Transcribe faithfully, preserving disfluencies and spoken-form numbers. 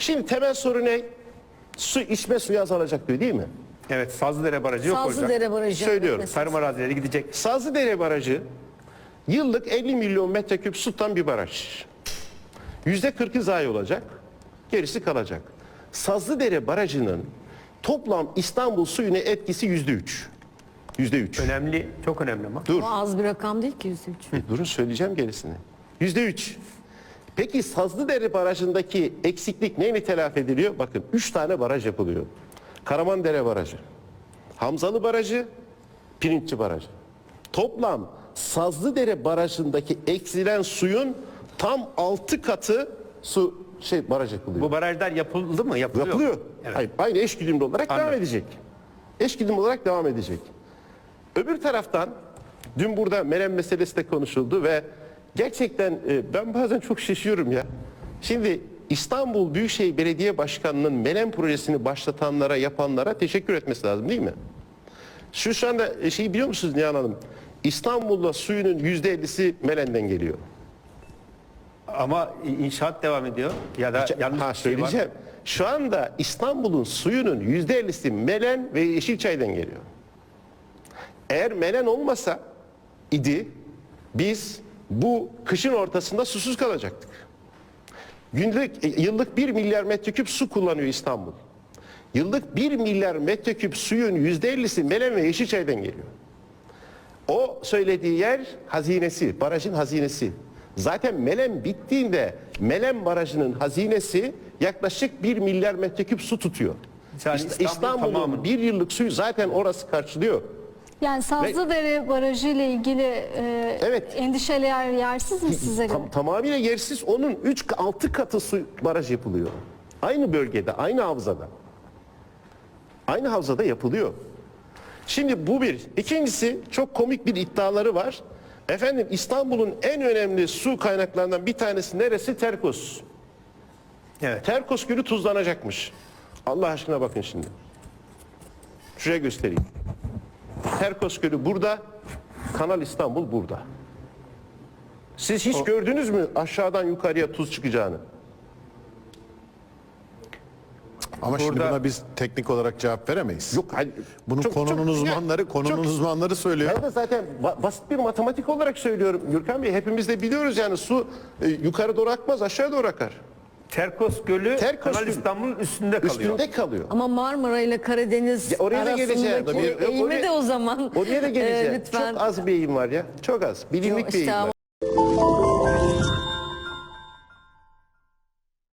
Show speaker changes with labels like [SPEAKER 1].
[SPEAKER 1] Şimdi temel soru ne? Su, içme suyu azalacak diyor değil mi?
[SPEAKER 2] Evet, Sazlıdere Barajı yok olacak.
[SPEAKER 3] Sazlıdere Barajı.
[SPEAKER 1] Söylüyorum.
[SPEAKER 3] mesela.
[SPEAKER 2] Tarım arazileri gidecek.
[SPEAKER 1] Sazlıdere Barajı yıllık elli milyon metreküp su tutan bir baraj. yüzde kırkı zayi olacak, gerisi kalacak. Sazlıdere Barajı'nın toplam İstanbul suyuna etkisi yüzde üç. Yüzde üç.
[SPEAKER 2] Önemli, çok önemli ama.
[SPEAKER 1] Dur.
[SPEAKER 3] O az bir rakam değil ki yüz üç.
[SPEAKER 1] Durun söyleyeceğim gerisini. Yüzde üç. Peki Sazlıdere Barajı'ndaki eksiklik neyle telafi ediliyor? Bakın üç tane baraj yapılıyor. Karamandere Barajı, Hamzalı Barajı, Pirinççi Barajı. Toplam Sazlıdere Barajı'ndaki eksilen suyun tam altı katı su şey baraj yapılıyor.
[SPEAKER 2] Bu barajlar yapıldı mı? Yapılıyor.
[SPEAKER 1] Yapılıyor.
[SPEAKER 2] Evet.
[SPEAKER 1] Hayır, aynı eşgüdümlü olarak
[SPEAKER 2] Anladım.
[SPEAKER 1] devam edecek. Eşgüdümlü olarak devam edecek. Öbür taraftan dün burada Menem meselesi de konuşuldu ve gerçekten e, ben bazen çok şaşıyorum ya. Şimdi İstanbul Büyükşehir Belediye Başkanı'nın Menem projesini başlatanlara, yapanlara teşekkür etmesi lazım değil mi? Şu şu anda e, şeyi biliyor musunuz Nihan Hanım? İstanbul'da suyunun yüzde ellisi Melen'den geliyor.
[SPEAKER 2] Ama inşaat devam ediyor. Ya da yanlış
[SPEAKER 1] Ha
[SPEAKER 2] bir şey var.
[SPEAKER 1] söyleyeceğim. Şu anda İstanbul'un suyunun yüzde ellisi Melen ve Yeşilçay'dan geliyor. Eğer Melen olmasa idi biz bu kışın ortasında susuz kalacaktık. Günlük e, yıllık bir milyar metreküp su kullanıyor İstanbul. Yıllık bir milyar metreküp suyun yüzde ellisi Melen ve Yeşilçay'dan geliyor. O söylediği yer hazinesi, barajın hazinesi. Zaten Melen bittiğinde Melen Barajı'nın hazinesi yaklaşık bir milyar metreküp su tutuyor.
[SPEAKER 2] Yani
[SPEAKER 1] İst-
[SPEAKER 2] İstanbul
[SPEAKER 1] İstanbul'un
[SPEAKER 2] tamamı.
[SPEAKER 1] bir yıllık suyu zaten orası karşılıyor.
[SPEAKER 4] Yani Sazlıdere Barajı ile ilgili e,
[SPEAKER 1] Evet.
[SPEAKER 4] endişeler yersiz mi size göre?
[SPEAKER 1] Tam, tamamıyla yersiz, onun üç altı katı su baraj yapılıyor. Aynı bölgede, aynı havzada. Aynı havzada yapılıyor. Şimdi bu bir. İkincisi çok komik bir iddiaları var. Efendim İstanbul'un en önemli su kaynaklarından bir tanesi neresi? Terkos.
[SPEAKER 2] Evet.
[SPEAKER 1] Terkos Gölü tuzlanacakmış. Allah aşkına bakın şimdi. Şuraya göstereyim. Terkos Gölü burada, Kanal İstanbul burada. Siz hiç gördünüz mü aşağıdan yukarıya tuz çıkacağını?
[SPEAKER 5] Ama şimdi
[SPEAKER 2] Burada-
[SPEAKER 5] buna biz teknik olarak cevap veremeyiz.
[SPEAKER 1] Yok. Hani,
[SPEAKER 5] Bunu
[SPEAKER 1] çok-
[SPEAKER 5] konunun
[SPEAKER 1] çok-
[SPEAKER 5] uzmanları, konunun
[SPEAKER 1] çok-
[SPEAKER 5] uzmanları söylüyor.
[SPEAKER 1] Ben de zaten ba- basit bir matematik olarak söylüyorum Gürkan Bey. Hepimiz de biliyoruz yani su e, yukarı doğru akmaz, aşağı doğru akar.
[SPEAKER 2] Terkos Gölü
[SPEAKER 1] Terkos
[SPEAKER 2] Kanal
[SPEAKER 1] Gölü
[SPEAKER 2] İstanbul'un üstünde kalıyor.
[SPEAKER 1] Üstünde kalıyor.
[SPEAKER 3] Ama Marmara ile Karadeniz
[SPEAKER 1] Ya oraya da geleceğim.
[SPEAKER 3] arasındaki
[SPEAKER 1] Oraya-
[SPEAKER 3] eğimi
[SPEAKER 1] oraya-
[SPEAKER 3] de o zaman
[SPEAKER 1] Oraya da geleceğim.
[SPEAKER 3] e, lütfen.
[SPEAKER 1] Çok az bir eğim var ya. Çok az. Bilinlik bir
[SPEAKER 3] İşte
[SPEAKER 1] eğim var.
[SPEAKER 3] ama